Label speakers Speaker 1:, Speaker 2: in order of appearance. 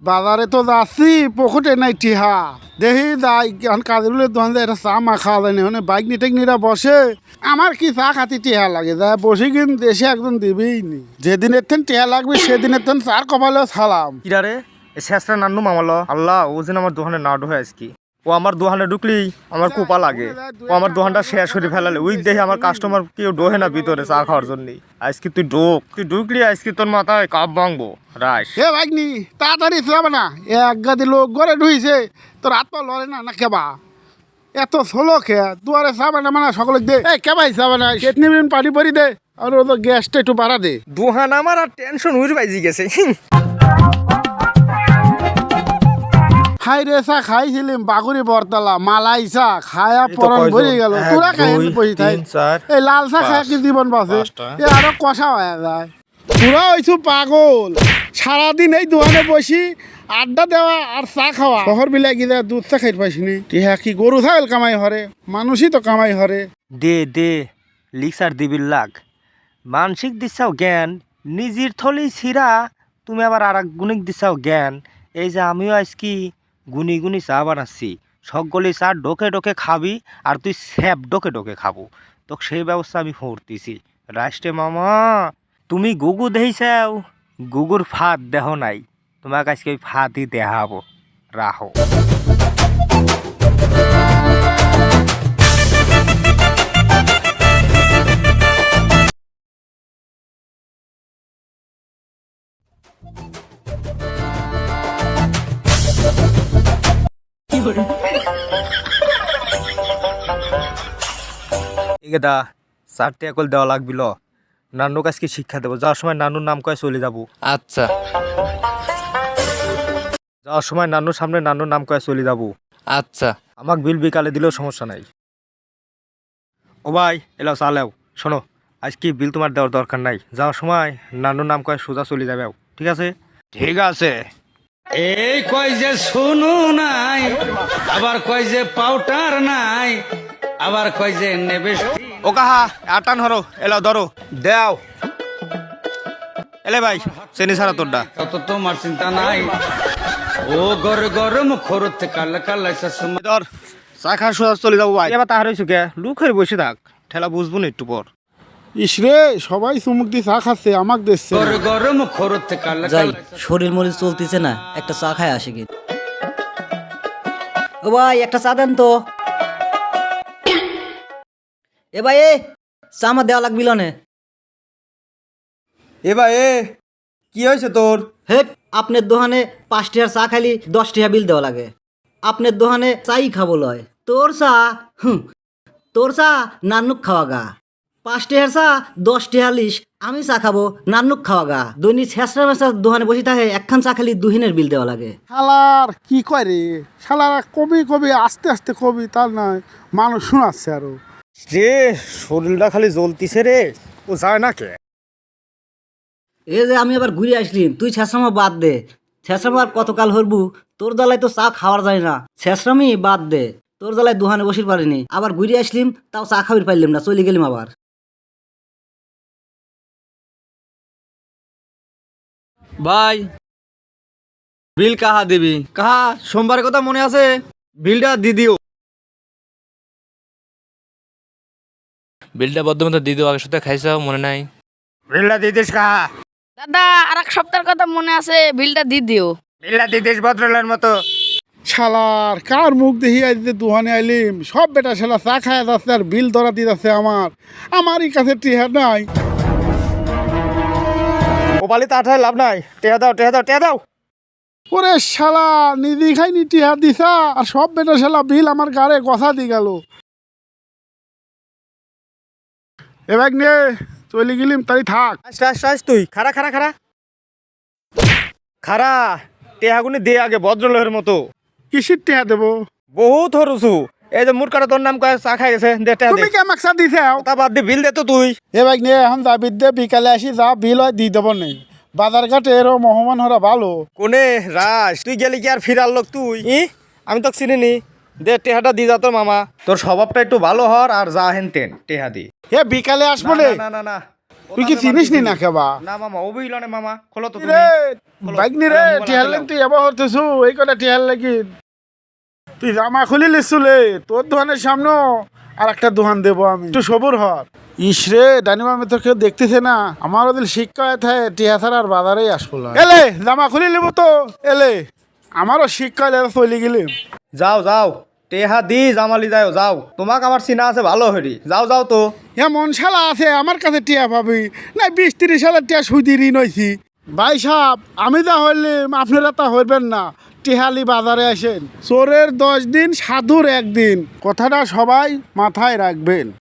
Speaker 1: বাজারে তো যাচ্ছি পকেটে নাই টিহা দেখি যাই কাজের দোকান যায় একটা চা মা খাওয়া যায় না বাইক নিয়ে টেকনিরা বসে আমার কি চা খাতি টিহা লাগে যায় বসে কিন্তু দেশে একজন দিবেই নি যেদিনের থেন টিহা লাগবে সেদিনের থেন চার কপালেও সালাম।
Speaker 2: কিরারে শেষরা নান্নু মামালো আল্লাহ ও যেন আমার দোকানে না ঢোকে আজকে ও আমার দোকানে ঢুকলি আমার কোপা লাগে ও আমার দোকানটা শেষ করে ফেলালে ওই দেখে আমার কাস্টমার কেউ ডোহে না ভিতরে চা খাওয়ার জন্য আজকে তুই ঢুকলি আজকে তোর মাথায় কাপ ভাঙবো রাইস।
Speaker 1: এ বাইক নি তাড়াতাড়ি চালাবে না এক গাদি লোক ঘরে ঢুইছে তোর হাত পা লড়ে না না কেবা এত ষোলো খেয়া দুয়ারে চাবে না মানে সকলে দে এই কেবাই চাবে না চেতনি পানি পরি দে আর ও তো গ্যাসটা একটু বাড়া দে
Speaker 2: দোকান আমার আর টেনশন উড়ে বাইজি গেছে।
Speaker 1: হাই রে চা খাইছিলাম বাগুড়ি বরতলা মালাই চা খায়া পরন ভরে গেল তোরা খাই বসে থাই এই লাল চা খায় কি জীবন বাঁচে এ আরো কষা হয়ে যায় তোরা হইছু পাগল সারাদিন এই দোকানে বসি আড্ডা দেওয়া আর চা খাওয়া শহর বিলাই গিয়ে দুধ চা খাই পাইছিনি টিহা কি গরু ছাগল কামাই হরে মানুষই তো কামাই হরে
Speaker 2: দে লিক্সার দিবির লাগ মানসিক দিচ্ছাও জ্ঞান নিজের থলি ছিঁড়া তুমি আবার আর এক গুণিক দিচ্ছাও জ্ঞান এই যে আমিও আজকে গুনি চা বানাচ্ছি সকলে চা ডোকে খাবি আর তুই স্যাপ ডোকে খাবো তো সেই ব্যবস্থা আমি করতেছি রাষ্ট্রে মামা তুমি গুগু দেইছাও গুগুর ফাঁদ দেহ নাই তোমাকে আজকে ওই ফাঁদই দেখাবো রাহো। দা চারটে একল দেওয়া লাগবিল নানুক আজকে শিক্ষা দেবো যাওয়ার সময় নানুর নাম কয়ে চলে যাবো।
Speaker 3: আচ্ছা
Speaker 2: যাওয়ার সময় নানুর সামনে নানুর নাম কয়ে চলে যাবো।
Speaker 3: আচ্ছা
Speaker 2: আমাকে বিল বিকালে দিলেও সমস্যা নাই। ও ভাই এলাও চালেও শোনো আজকে বিল তোমার দেওয়ার দরকার নাই যাওয়ার সময় নানুর নাম কয়ে সোজা চলে যাবে ঠিক আছে?
Speaker 3: ঠিক আছে।
Speaker 4: এই কয় যে শুনু নাই আবার কয় যে পাউডার নাই আবার কয় যে নেবে
Speaker 2: ও কাহা আটান হরো এলাও ধরো দেও এলে ভাই চেনি ছাড়া তোরটা
Speaker 4: তত তোমার চিন্তা নাই ও গরম খরতে কাল
Speaker 2: ধর চা খা সোজা চলে যাবো ভাই এবার তাহার হয়েছু কে লুক হয়ে বসে থাক ঠেলা বুঝবো না একটু পর।
Speaker 1: ইসরে সবাই চুমুক দিয়ে চা খাচ্ছে আমাক দিচ্ছে
Speaker 4: গরম খরতে কাল
Speaker 5: যাই শরীর মরিচ চলতেছে না একটা চা খায় আসে কি ও ভাই একটা চা দেন তো এ ভাই চা আমার দেওয়া লাগবিল নে
Speaker 2: এ ভাই এ কি হয়েছে তোর?
Speaker 5: হে আপনার দোকানে 5 টাকার চা খাইলি 10 টাকা বিল দেওয়া লাগে আপনার দোকানে চাই খাবো লয় তোর চা তোর চা নানুক খাওয়া গা 5 টাকার চা 10 টাকা লিস আমি চা খাবো নানুক খাওয়া গা দৈনিক ছেঁচড়া মেচা দোকানে বসে থাকে একখান চা খালি দুহিনের বিল দেওয়া লাগে।
Speaker 1: শালার কি কয় রে শালারা কবি আস্তে আস্তে কবি তার নয় মানুষ শোনাচ্ছে আরো
Speaker 2: রে শরীরটা খালি জ্বলতিছে রে ও যায় না কে
Speaker 5: এ যে আমি আবার ঘুরে আসলিম তুই ছেঁচড়ামা বাদ দে ছেঁচড়ামা আর কতকাল হরবু তোর জ্বালায় তো চা খাওয়ার যায় না ছেঁচড়ামি বাদ দে তোর জ্বালায় দোকানে বসির পারিনি আবার ঘুরে আসলিম তাও চা খাবির পাইলাম না চলে গেলিম আবার।
Speaker 3: ভাই বিল কাহা দিবি কাহা সোমবারের কথা মনে আছে বিলটা দি দিও। বিলটা বদ্ধমত দি দিও আগের সাথে খাইছাও মনে নাই
Speaker 2: বিলটা দিদিস কাহা
Speaker 6: দাদা আর এক সপ্তাহের কথা মনে আছে বিলটা দিয়ে দিও।
Speaker 2: বিলটা দিদিস ভদ্রলের মতো
Speaker 1: শালার কার মুখ দেখি আজ দোকানে আইলিম সব বেটা শালা চা খায় যাচ্ছে আর বিল ধরা দিয়ে যাচ্ছে আমারই কাছে টিহা নাই।
Speaker 2: ওপালি তাঠায় লাভ নাই টেহা দাও
Speaker 1: ওরে শালা নিদি খাইনি টিহা দিছা আর সব বেটা শালা বিল আমার গাড়ে গসা দিয়ে গেল এবার নে চলে গেলিম তাই থাক
Speaker 2: আস তুই খারা টেহাগুনি দে আগে ভদ্রলোকের মতো
Speaker 1: কিসির টিহা দেবো
Speaker 2: বহুত হরুছু এই যে মুরকাটা তোর নাম কয়ে চা খাই গেছে দে টেহা দে
Speaker 1: তুমি কে আমাকে চা দিছে
Speaker 2: তা বাদ দি বিল দে তো তুই
Speaker 1: এবার নে এখন যাবি দে বিকালে আসি যা বিল হয় দিয়ে দেবো নেই বাজার ঘাটে এরও মহমান হরা ভালো
Speaker 2: কোনে রাস তুই গেলি কি আর ফিরার লোক তুই আমি তো চিনি নি দে টেহাটা দি যা তোর মামা তোর স্বভাবটা একটু ভালো হর আর যা হেন তেন টেহা দি
Speaker 1: এ বিকালে আসবো রে
Speaker 2: না
Speaker 1: তুই কি চিনিস নি না কেবা
Speaker 2: না মামা ও বুঝলো না মামা খোলো তো
Speaker 1: রে
Speaker 2: তুমি
Speaker 1: বাইক নি রে টিহার লেন তুই এবার হতেছু এই কটা টিহার লাগি তুই জামা খুলি লিসুলে তোর দোকানের সামনে আর একটা দোকান দেবো আমি একটু সবুর হর ইসরে ডানিমা আমি তো কেউ দেখতেছে না আমার ওদের শিক্ষা থাকে টিহা ছাড়া আর বাজারেই আসবো না এলে জামা খুলি নেবো তো এলে আমারও শিক্ষা চলে গেলি
Speaker 2: যাও যাও টেহা দি জামালি যাও যাও তোমাক আমার চিনা আছে ভালো হরি যাও যাও তো
Speaker 1: এমন শালা আছে আমার কাছে টিয়া পাবি না 20-30 হাজার টিয়া সুদি ঋণ হয়েছি ভাই সাহেব আমি যা হইলাম আপনারা তা হইবেন না টিহালি বাজারে আসেন চোরের 10 দিন সাধুর 1 দিন কথাটা সবাই মাথায় রাখবেন।